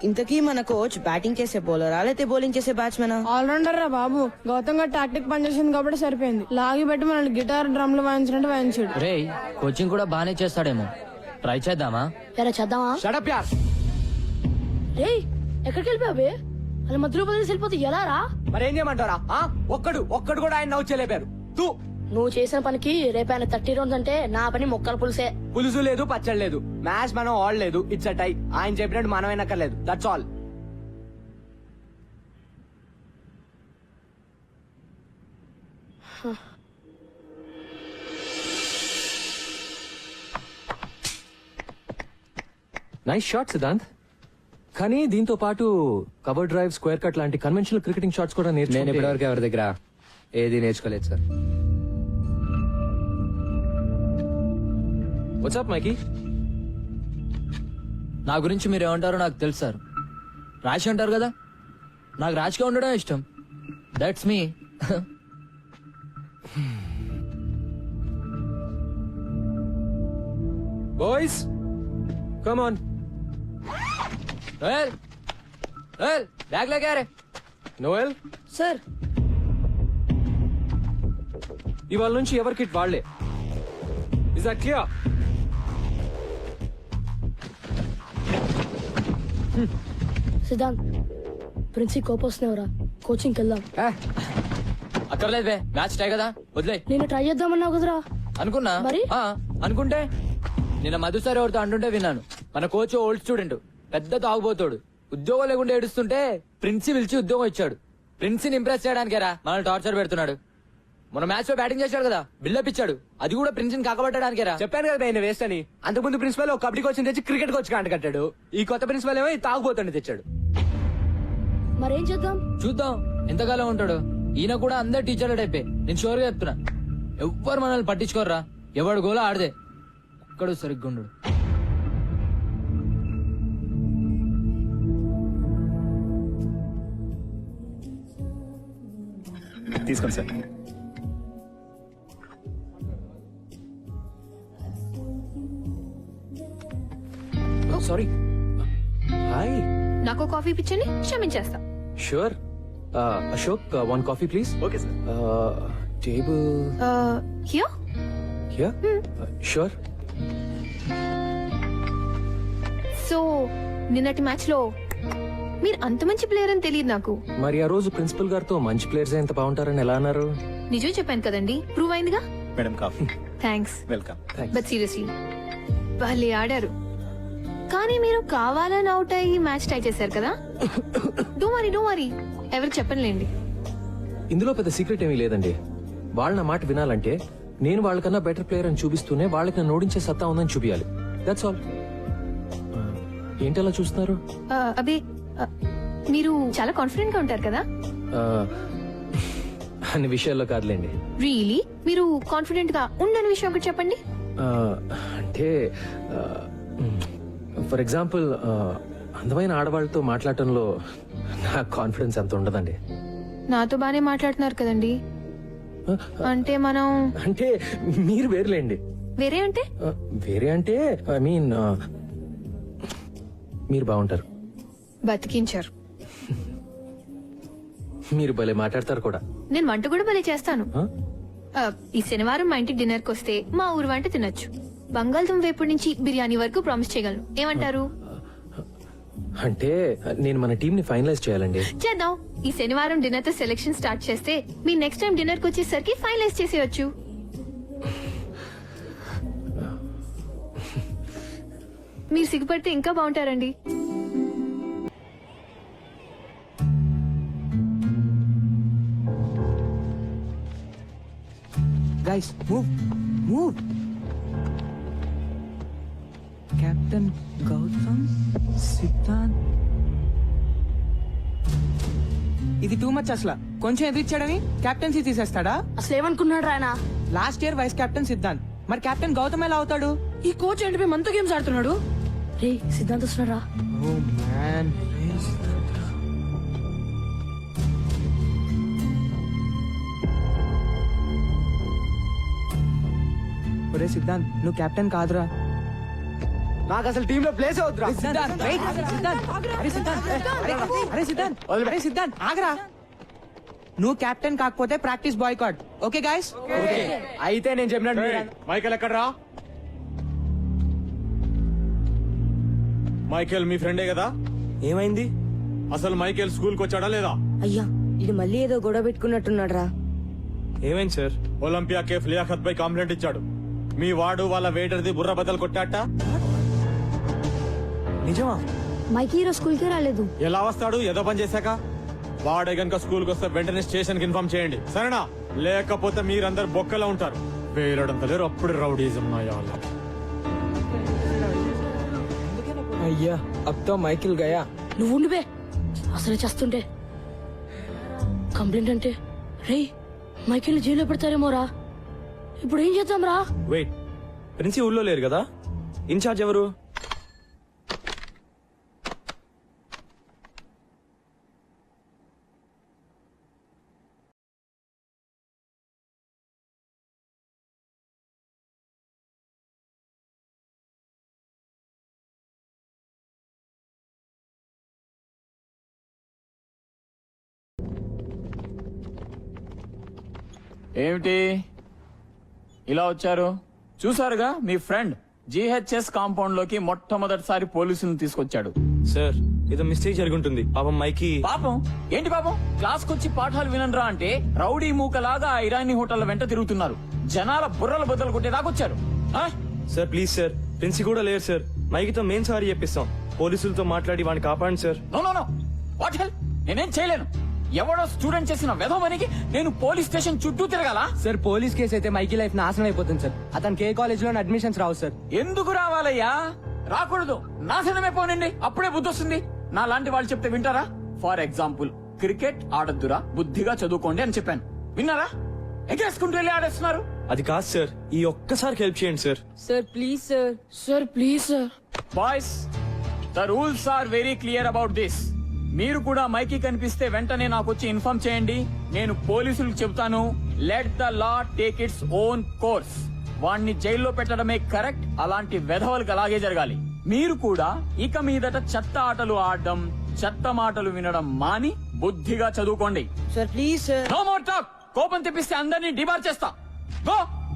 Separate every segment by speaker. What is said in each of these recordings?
Speaker 1: ఇంతకీ మన coach batting చేసే బౌలరా లేకపోతే బౌలింగ్ చేసే బ్యాట్స్మెనా?
Speaker 2: ఆల్రౌండర్ రా బాబు. గౌతమ్ గారు టాక్టిక్ పనిచేసింది కాబట్టి సరిపోయింది. లాగి పెట్టి మనల్ని గిటార్ డ్రమ్లు వాయించినట్టు వాయించాడు.
Speaker 3: రే కోచింగ్ కూడా బానే చేస్తాడేమో, ట్రై చేద్దామా?
Speaker 4: ఎరా చేద్దామా?
Speaker 5: షడప్ యార్.
Speaker 4: రే ఎక్కడికి వెళ్ళిపోయావే? అలా మధ్యలో బదిలేసి వెళ్ళిపోతే ఎలా రా?
Speaker 5: మరేం చేయమంటారా? ఒక్కడు కూడా ఆయన నవ్వు చేయలేపారు. తూ
Speaker 4: నువ్వు చేసిన పనికి రేపు ఆయన 30 రౌండ్స్ అంటే నా పని మొక్కల పులుసే.
Speaker 5: పులుసు లేదు, పచ్చడి లేదు, మ్యాచ్ మనం ఆడలేదు. It's a tie. ఆయన చెప్పినట్టు మనం అయినక్కర్లేదు. That's all.
Speaker 6: Nice shot Siddhant. కానీ దీంతో పాటు కవర్ డ్రైవ్, స్క్వేర్ కట్ లాంటి కన్వెన్షనల్ క్రికెటింగ్ షాట్స్ కూడా
Speaker 7: నేను ఇప్పటివరకు ఎవరి దగ్గర ఏది నేర్చుకోలేదు సార్.
Speaker 6: వాట్సాప్ మైకీ?
Speaker 3: నా గురించి మీరు ఏమంటారో నాకు తెలుసు సార్. రాశి అంటారు కదా, నాకు రాశిగా ఉండడం ఇష్టం. That's me.
Speaker 6: Boys come on.
Speaker 3: Bag లేకారే.
Speaker 6: నోయల్
Speaker 4: సార్
Speaker 6: ఇవాళ నుంచి ఎవరి కిట్ వాళ్లే. Is that clear?
Speaker 4: Siddhant princi కోపం వస్తున్నావురా, కోచింగ్కి వెళ్దాం.
Speaker 3: అక్కర్లేదు బే, మ్యాచ్ టై కదా, వదిలే.
Speaker 4: నేను ట్రై చేద్దామన్నావు కదరా.
Speaker 3: అనుకున్నా
Speaker 4: మరి?
Speaker 3: అనుకుంటే నిన్న మధు సార్ ఎవరితో అంటుంటే విన్నాను. మన కోచ్ ఓల్డ్ స్టూడెంట్, పెద్ద తాగుబోతాడు. ఉద్యోగం లేకుండా ఏడుస్తుంటే ప్రిన్సి పిలిచి ఉద్యోగం ఇచ్చాడు. ప్రిన్సిని ఇంప్రెస్ చేయడానికేరా మనల్ని టార్చర్ పెడుతున్నాడు. మన మ్యాచ్ లో బ్యాటింగ్ చేశాడు కదా, బిల్డప్ ఇచ్చాడు. అది కూడా ప్రిన్సిని కాకబట్టడానికేరా.
Speaker 5: చెప్పాను కదా ఆయన వేస్ట్ అని. అంతకుముందు ప్రిన్సిపల్ ఒక కబడ్డీ కోచ్ తెచ్చి క్రికెట్ కోచ్ కాంట కట్టాడు. ఈ కొత్త ప్రిన్సిపల్ ఏమో తాగుబోతుండే తెచ్చాడు.
Speaker 4: మరేం చేద్దాం?
Speaker 3: చూద్దాం ఎంతకాలం ఉంటాడు. ఈయన కూడా అందరు టీచర్ల టైపే. నేను షూర్ గా చెప్తున్నా, ఎవ్వరు మనల్ని పట్టించుకోర్రా. ఎవడు గోలా ఆడదే, ఒక్కడు సరిగ్గా ఉండడు.
Speaker 8: తీసుకోండి సార్.
Speaker 6: సారీ. హాయ్.
Speaker 9: నాకు కాఫీ పిచ్చని క్షమించేస్తా.
Speaker 6: Sure. Ashok, one coffee please.
Speaker 8: Okay sir.
Speaker 6: Table
Speaker 9: here.
Speaker 6: Here. Sure.
Speaker 9: So నిన్నటి మ్యాచ్ లో మీరు అంత మంచి ప్లేయర్ అని తెలియదు నాకు.
Speaker 6: మరి ఆ రోజు ప్రిన్సిపల్ గారితో మంచి ప్లేయర్స్ ఎంత బాగుంటారని ఎలా అన్నారు?
Speaker 9: నిజం చెప్పాను కదండి, ప్రూవ్ అయిందిగా.
Speaker 8: Madam coffee.
Speaker 9: Thanks.
Speaker 8: Welcome.
Speaker 9: But seriously భలే ఆడారు. కానీ మీరు కావాలని అవుట్ అయ్యి మ్యాచ్ టై చేశారు కదా. డో వరీ ఎవరికి చెప్పనులేండి.
Speaker 6: ఇందులో పెద్ద సీక్రెట్ ఏమీ లేదండి. వాళ్ళ నా మాట వినాలంటే నేను వాళ్ళకన్నా బెటర్ ప్లేయర్ అని చూపిస్తూనే వాళ్ళకి నన్ను ఓడించే సత్తా ఉందని చూపించాలి. That's all. ఏంటలా చూస్తున్నారు?
Speaker 9: అబే మీరు చాలా కాన్ఫిడెంట్ గా ఉంటారు కదా.
Speaker 6: అన్ని విషయాల్లో కాదులేండి.
Speaker 9: రియలీ మీరు కాన్ఫిడెంట్ గా ఉండని విషయం ఒకటి చెప్పండి.
Speaker 6: అంటే ఫర్ ఎగ్జాంపుల్ అందమైన ఆడవాళ్ళతో మాట్లాడటంలో నా కాన్ఫిడెన్స్ అంత ఉండదండి.
Speaker 9: నాతో బానే మాట్లాడుతున్నారు కదండి. అంటే మనం
Speaker 6: అంటే మీరు వేరులేండి.
Speaker 9: వేరే అంటే?
Speaker 6: వేరే అంటే ఐ మీన్ మీరు బాగుంటారు.
Speaker 9: బతికించారు.
Speaker 6: మీరు భలే మాట్లాడతారు కూడా.
Speaker 9: నేను వంట కూడా భలే చేస్తాను. ఈ శనివారం మా ఇంటికి డిన్నర్ కి వస్తే మా ఊరు వంట తినొచ్చు. బంగాళదుంప వేపుడు నుంచి బిర్యానీ వరకు ప్రామిస్ చేయగలను. ఏమంటారు?
Speaker 6: అంటే నేను మన టీం ని ఫైనలైజ్ చేయాలండి.
Speaker 9: చేద్దాం. ఈ శనివారం డిన్నర్ తో సెలెక్షన్ స్టార్ట్ చేస్తే మీ నెక్స్ట్ టైం డిన్నర్ కి వచ్చేసరికి ఫైనలైజ్ చేసేయచ్చు. మీరు సిగ్గుపడితే ఇంకా బాగుంటారండి.
Speaker 5: Guys move move. Captain Gautam, Siddhant. ఇది టూ మచ్ అసలు. కొంచెం ఎదిరిచ్చాడని కెప్టెన్సీ తీసేస్తాడా?
Speaker 4: అసలు ఏమనుకున్నాడు ఆయన?
Speaker 5: Last year vice captain Siddhant, మరి కెప్టెన్ గౌతమ్ ఎలా అవుతాడు?
Speaker 2: ఈ కోచ్ ఏంటి మనతో గేమ్స్ ఆడుతున్నాడు?
Speaker 4: రే సిద్ధాంత్ వస్తున్నాడు రా.
Speaker 5: Oh man. ఒరే సిద్ధాంత్, నువ్వు కెప్టెన్ కాదురా. నాకు అసలు టీమ్ లో ప్లేస్ అవుతురా
Speaker 1: ఆగరా నువ్వు కెప్టెన్ కాకపోతే ప్రాక్టీస్ బాయ్కాట్ ఓకే గాయస్
Speaker 5: అయితే నేను చెప్పినట్టు
Speaker 10: మైకేల్ ఎక్కడ్రా? మైకేల్ మీ ఫ్రెండే కదా?
Speaker 5: ఏమైంది?
Speaker 10: అసలు మైకేల్ స్కూల్ కి వచ్చాడా లేదా?
Speaker 1: అయ్యా ఇది మళ్ళీ ఏదో గొడవ పెట్టుకున్నట్టున్నాడు రా
Speaker 5: ఏమైంది సార్?
Speaker 10: ఒలింపియా కేఫ్ లియాఖత్ పై కంప్లైంట్ ఇచ్చాడు. మీ వాడు వాళ్ళ వెయిటర్ది బుర్ర బద్దలు కొట్టాట.
Speaker 5: నిజమా?
Speaker 9: మైకి ఈరోజు స్కూల్ కి రాలేదు.
Speaker 10: ఎలా వస్తాడు? ఏదో పని చేశాక. వాడే గనుక స్కూల్ కి వస్తే వెంటనే స్టేషన్ కి ఇన్ఫార్మ్ చేయండి, సరేనా? లేకపోతే మీరందరు బొక్కలో ఉంటారు. వేలడంత లేరు, అప్పుడు రౌడీజం నాయాల.
Speaker 5: అయ్యా అబ్తో మైకిల్ గయా.
Speaker 4: నువ్వు ఉండిపే అసలు చేస్తుంటే కంప్లైంట్ అంటే రే మైకేల్ జైల్లో పెడతారేమోరా. ఇప్పుడు ఏం చేద్దాం రా?
Speaker 5: వెయిట్, ప్రిన్సి ఊళ్ళో లేరు కదా? ఇన్ఛార్జ్ ఎవరు?
Speaker 11: ఏమిటి ఇలా వచ్చారు? చూసారుగా మీ ఫ్రెండ్ జిహెచ్ఎస్ కాంపౌండ్ లోకి మొట్టమొదటిసారి పోలీసులను తీసుకొచ్చాడు.
Speaker 5: సార్ ఏదో మిస్టేక్ జరుగుంటుంది. పాపం మైకి.
Speaker 11: పాపం ఏంటి పాపం? క్లాస్ కొచ్చి పాఠాలు వినరా అంటే రౌడీ మూకలాగా ఆ ఇరానీ హోటల్ వెంట తిరుగుతున్నారు. జనాల బుర్రల బద్దలు కొట్టేదాకొచ్చారు.
Speaker 5: సార్ ప్లీజ్ సార్, ప్రిన్సి కూడా లేరు సార్. మైకితో మెయిన్ సారీ చెప్పిస్తాం. పోలీసులతో మాట్లాడి వాడిని కాపాడండి sir.
Speaker 11: No no no, what hell? నేనేం చేయలేను. ఎవడో స్టూడెంట్ చేసిన వెధవనికి నేను పోలీస్ స్టేషన్ చుట్టూ తిరగాల?
Speaker 5: సార్ పోలీస్ కేసు అయితే మైకి లైఫ్ నాశనం అయిపోతుంది సార్. అతనికి ఏ కాలేజ్ లో అడ్మిషన్స్ రావు సార్.
Speaker 11: ఎందుకు రావాలయ్యా? రాకూడదు. నాశనమే పోనండి, అప్పుడే బుద్ధి వస్తుంది. నా లాంటి వాళ్ళు చెప్తే వింటారా? ఫర్ ఎగ్జాంపుల్, క్రికెట్ ఆడద్దురా, బుద్ధిగా చదువుకోండి అని చెప్పాను. విన్నారా? ఎగేసుకుంటూ వెళ్ళి ఆడేస్తున్నారు.
Speaker 5: అది కాదు సార్, ఈ ఒక్కసారి హెల్ప్ చేయండి sir.
Speaker 1: Sir please sir.
Speaker 4: Sir please sir.
Speaker 11: Boys, the rules are very clear about this. మీరు కూడా మైకి కనిపిస్తే వెంటనే నాకు వచ్చి ఇన్ఫార్మ్ చేయండి. నేను పోలీసులకు చెబుతాను. Let the law take its own course. వాణ్ణి జైల్లో పెట్టడమే కరెక్ట్. అలాంటి వెధవలకు అలాగే జరగాలి. మీరు కూడా ఇక మీదట చెత్త ఆటలు ఆడడం, చెత్త మాటలు వినడం మాని బుద్ధిగా చదువుకోండి.
Speaker 1: Sir please sir.
Speaker 11: No more talk. కోపం తెప్పిస్తే అందరినీ డిబార్ చేస్తా. గో.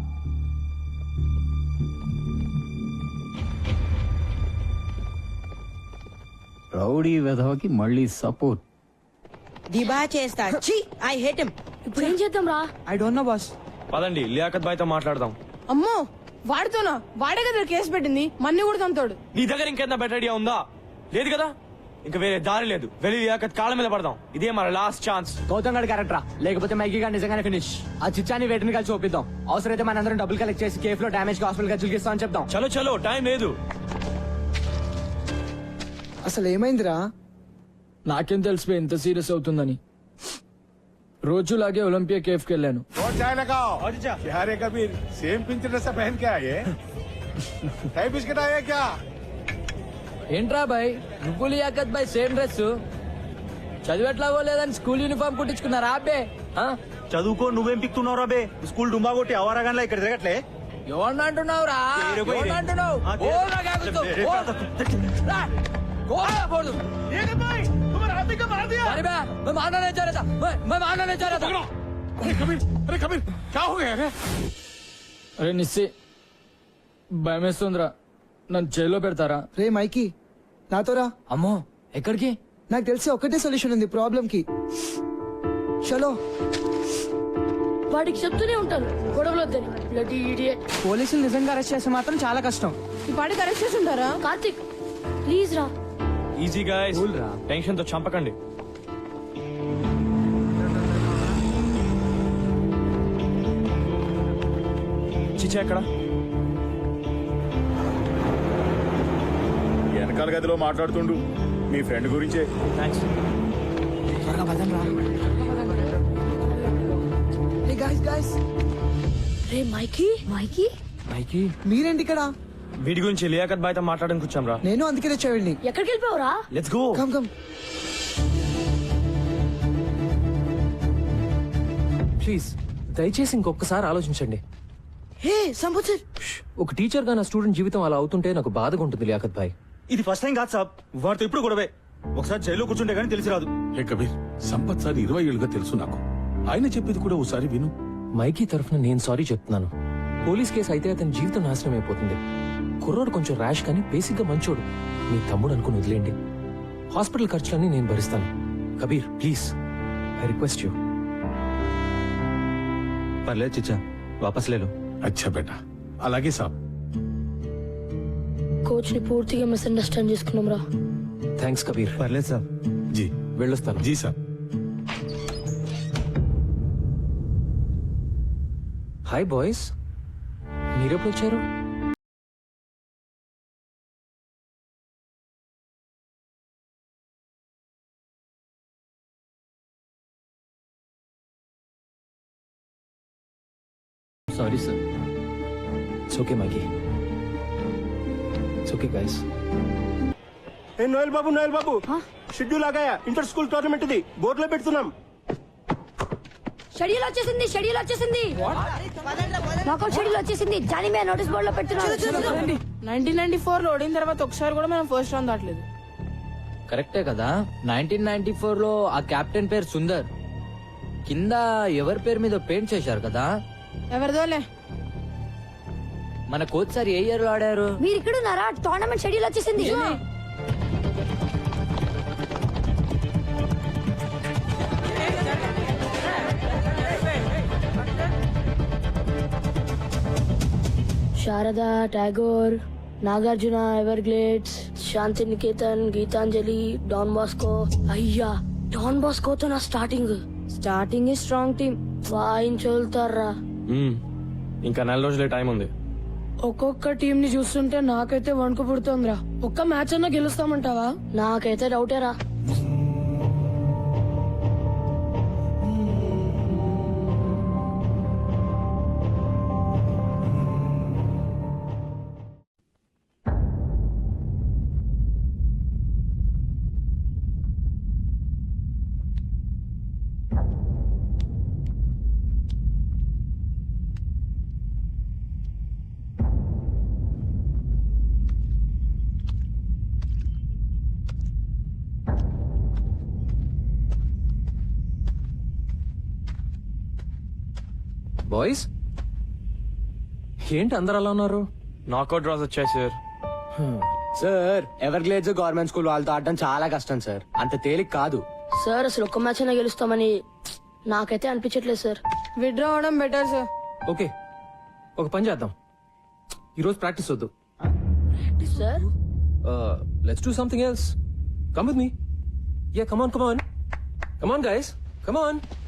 Speaker 11: రౌడీ వెధవకి మళ్ళీ సపోర్ట్.
Speaker 1: దిబా చేస్తా. ఛీ ఐ హేట్ హిమ్.
Speaker 4: ఇప్పుడు ఏం చేద్దాం రా?
Speaker 1: I don't know boss.
Speaker 5: పదండి లియాఖత్ బాయ్ తో మాట్లాడదాం.
Speaker 2: అమ్మో వాడితోనా? వాడే కదా కేసు పెట్టింది, మన్ని కూడా తంతాడు.
Speaker 5: నీ దగ్గర ఇంకేంత బెటర్ ఐడియా ఉందా? లేదు కదా? ఇంకా వేరే దారి లేదు. వెళ్ళి లియాఖత్ కాళ్ళ మీద పడదాం. ఇదే మన లాస్ట్ ఛాన్స్.
Speaker 3: గౌతమ్ గడ్ క్యారెక్టరా, లేకపోతే మైకి గారు నిజంగానే ఫినిష్. ఆ చిచ్చాని వేటిని కలిసి చూపిద్దాం. అవసరమైతే మనందరం డబ్బులు కలెక్ట్ చేసి కేఫ్ లో డామేజ్ హాస్పిటల్ ఖర్చులు ఇస్తామని చెప్దాం.
Speaker 5: చలో చలో, టైం లేదు.
Speaker 2: అసలు ఏమైందిరా?
Speaker 3: నాకేం తెలిసిపోయి ఇంత సీరియస్ అవుతుందని. రోజులాగే ఒలింపియా కేఫ్ కి వెళ్ళాను.
Speaker 10: अरे कबीर सेम पिंच ड्रेस पहन के आए टाई बिस्किट आया क्या?
Speaker 3: ఏంట్రా బాయ్, నువ్వు లియాఖత్ బాయ్ సేమ్ డ్రెస్. చదివేట్లాగో లేదని స్కూల్ యూనిఫామ్ కుట్టించుకున్నారా అబ్బే?
Speaker 8: చదువుకో, నువ్వేం పిక్తున్నావు రాబే? స్కూల్ డుమ్మా కొట్టి అవరాగాన్లా ఇక్కడ తిరగట్లే.
Speaker 3: ఎవరిని అంటున్నావు రా? ఎవరిని అంటున్నావు? ఓ నాకు ఆగుతావు. ఓ. రా. కోపడకూడదు. अरे मैं मारना नहीं चाह रहा था. मैं मारना नहीं चाह रहा था.
Speaker 10: अरे कबीर क्या हो गया है?
Speaker 3: అరే నిస్సి, భయమేస్తుందిరా. నన్ను జైల్లో పెడతారా?
Speaker 2: రే మైకి నాతో రా.
Speaker 3: అమ్మో ఎక్కడికి?
Speaker 2: నాకు తెలిసి ఒకటే సొల్యూషన్ ఉంది ప్రాబ్లం కి. చలో.
Speaker 4: వాడికి చెప్తూనే ఉంటాను గొడవలు వద్దని. Bloody idiot.
Speaker 1: పోలీసులు నిజంగా అరెస్ట్ చేస్తే మాత్రం చాలా కష్టం.
Speaker 2: ఈ పాటికి అరెస్ట్ చేసి ఉంటారా?
Speaker 4: కార్తిక్ ప్లీజ్ రా.
Speaker 5: ఈజీ గాయ్స్, టెన్షన్ తో చంపకండి. చిచ్చా ఎక్కడ?
Speaker 10: వెనకాల గదిలో మాట్లాడుతుండు మీ ఫ్రెండ్ గురించే.
Speaker 5: థ్యాంక్స్.
Speaker 4: రే మైకి.
Speaker 9: మైకి
Speaker 3: మైకి
Speaker 2: మీరేంటి ఇక్కడ?
Speaker 5: వీడి గురించి లియాఖత్ బాయ్ తో మాట్లాడడానికి వచ్చాం రా.
Speaker 2: నేను అందుకే తెచ్చేవాడిని.
Speaker 4: ఎక్కడికి వెళ్ళిపోయావురా?
Speaker 5: Let's go.
Speaker 2: Come come.
Speaker 6: Please దయచేసి ఇంకొకసారి ఆలోచించండి.
Speaker 4: హే సంపత్ సార్
Speaker 6: ఒక టీచర్ గా నా స్టూడెంట్ జీవితం అలా అవుతుంటే నాకు బాధగా ఉంటుంది లియాఖత్ భాయ్.
Speaker 8: ఇది ఫస్ట్ టైం కాదు సాబ్, వాడితో ఇప్పుడు గొడవే. ఒకసారి జైల్లో కూర్చుంటే గానీ తెలిసి రాదు.
Speaker 12: హే కబీర్, సంపత్ సార్ 20 ఏళ్ళుగా తెలుసు నాకు. ఆయన చెప్పేది కూడా ఒకసారి విను.
Speaker 6: మైకీ తరఫున నేను సారీ చెప్తున్నాను. పోలీస్ కేసు అయితే అతని జీవితం నాశనం అయిపోతుంది. కుర్రోడు కొంచెం ర్యాష్ కానీ బేసిక్ గా మంచోడు. మీ తమ్ముడు అనుకుని వదిలేండి. హాస్పిటల్ ఖర్చులన్నీ నేను భరిస్తాను. Kabir please, I request you.
Speaker 5: పర్లేదు చిచ్చా, వాపస్ లేలో.
Speaker 12: అచ్చా బేటా, అలాగే సాబ్.
Speaker 4: కోచ్ ని పూర్తిగా మిస్అండర్స్టాండ్ చేసుకున్నాం రా.
Speaker 6: థ్యాంక్స్ కబీర్.
Speaker 5: పర్లేదు సాబ్.
Speaker 12: జీ
Speaker 6: వెళ్ళొస్తాను.
Speaker 12: జీ సాబ్.
Speaker 6: హాయ్ బాయ్స్, మీరెప్పుడు వచ్చారు?
Speaker 3: Sorry sir.
Speaker 6: It's okay Mikey, it's okay guys.
Speaker 8: ఏ నోయల్ బాబు షెడ్యూల్ ఆగాయా? ఇంటర్ స్కూల్ టోర్నమెంట్ ఇది బోర్డులో పెడుతున్నాం.
Speaker 4: షెడ్యూల్ వచ్చేసింది నాకౌట్ షెడ్యూల్ వచ్చేసింది. జానీ మే నోటీస్ బోర్డు లో పెడుతున్నాను.
Speaker 2: 1994 లో ఓడిన తర్వాత ఒకసారి కూడా మనం ఫస్ట్ రౌండ్ దాటలేదు.
Speaker 3: కరెక్టే కదా. 1994 లో ఆ కెప్టెన్ పేరు సుందర్. కింద ఎవరి పేరు మీద పెయింట్ చేశారు కదా.
Speaker 2: ఎవరిదోలే.
Speaker 3: మన కోచ్ సార్ ఏ ఇయర్ లో ఆడారు?
Speaker 4: మీరు ఇక్కడ ఉన్నారా? టోర్నమెంట్ షెడ్యూల్ వచ్చేసింది. Sharada, Tagore, Nagarjuna, Everglades, Shanti Niketan, Gitanjali, Don Bosco. అయ్యా, డాన్ బాస్కోతో నా స్టార్టింగ్ స్ట్రాంగ్ టీమ్ వాయించోలుతారా.
Speaker 5: ఇంకా 4 రోజులే టైం ఉంది.
Speaker 2: ఒక్కొక్క టీం ని చూస్తుంటే నాకైతే వణుకు పుడుతోందిరా. ఒక్క మ్యాచ్ అన్నా గెలుస్తామంటావా?
Speaker 4: నాకైతే డౌటేరా.
Speaker 6: బాయ్స్ ఏంటి అందరు అలా ఉన్నారు?
Speaker 5: నాకౌట్ డ్రాస్ వచ్చాయి sir.
Speaker 7: Sir Everglades government school వాళ్ళతో ఆడడం చాలా కష్టం సార్. అంత తేలిక కాదు
Speaker 4: సార్. అసలు ఒక్క మ్యాచ్ అయినా గెలుస్తామని నాకైతే అనిపించట్లేదు సార్.
Speaker 2: విత్డ్రా అవడం బెటర్ సార్.
Speaker 6: ఓకే, ఒక పని చేద్దాం. ఈరోజు ప్రాక్టీస్ వద్దు.
Speaker 4: Sir
Speaker 6: let's do something else. Come with me. Yeah, come on guys, come on.